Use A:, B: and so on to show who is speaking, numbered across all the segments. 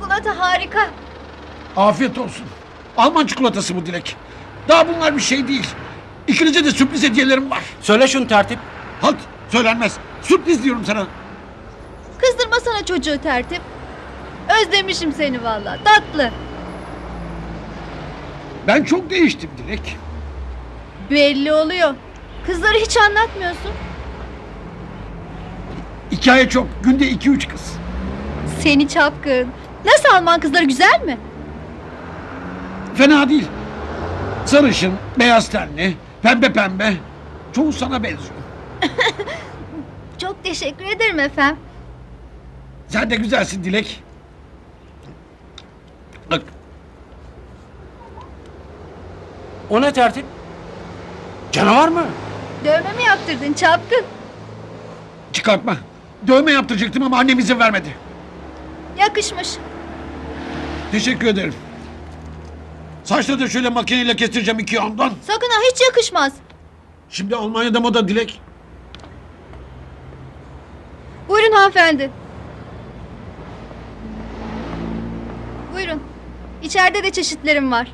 A: çikolata harika.
B: Afiyet olsun. Alman çikolatası bu Dilek. Daha bunlar bir şey değil. İkinize de sürpriz hediyelerim var.
C: Söyle şunu tertip.
B: Halt, söylenmez. Sürpriz diyorum sana.
A: Kızdırmasana çocuğu tertip. Özlemişim seni vallahi. Tatlı.
B: Ben çok değiştim Dilek.
A: Belli oluyor. Kızları hiç anlatmıyorsun.
B: Hikaye çok. Günde 2-3 kız.
A: Seni çapkın. Nasıl Alman kızları, güzel mi?
B: Fena değil. Sarışın, beyaz tenli, pembe pembe. Çoğu sana benziyor.
A: Çok teşekkür ederim efendim.
B: Sen de güzelsin Dilek. Bak,
C: O ne tertip? Canavar mı?
A: Dövme mi yaptırdın çapkın?
B: çıkartma. Dövme yaptıracaktım ama annem izin vermedi.
A: Yakışmış.
B: Teşekkür ederim. Saçları da şöyle makineyle kestireceğim 2 yandan.
A: Sakın ha, hiç yakışmaz.
B: Şimdi Almanya'da moda Dilek.
A: Buyurun hanımefendi. Buyurun. İçeride de çeşitlerim var.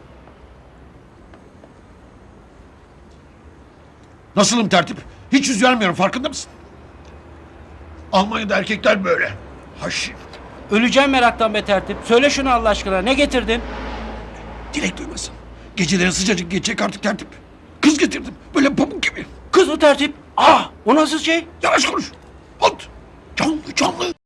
B: Nasılım tertip? Hiç yüz vermiyorum, farkında mısın? Almanya'da erkekler böyle. Haşin.
C: Öleceğim meraktan be tertip. Söyle şunu Allah aşkına. Ne getirdin?
B: Dilek duymasın. Geceleri sıcacık geçecek artık tertip. Kız getirdim. Böyle pamuk gibi.
C: Kız mı tertip? Ah, o nasıl şey?
B: Yavaş konuş. Halt. Canlı canlı.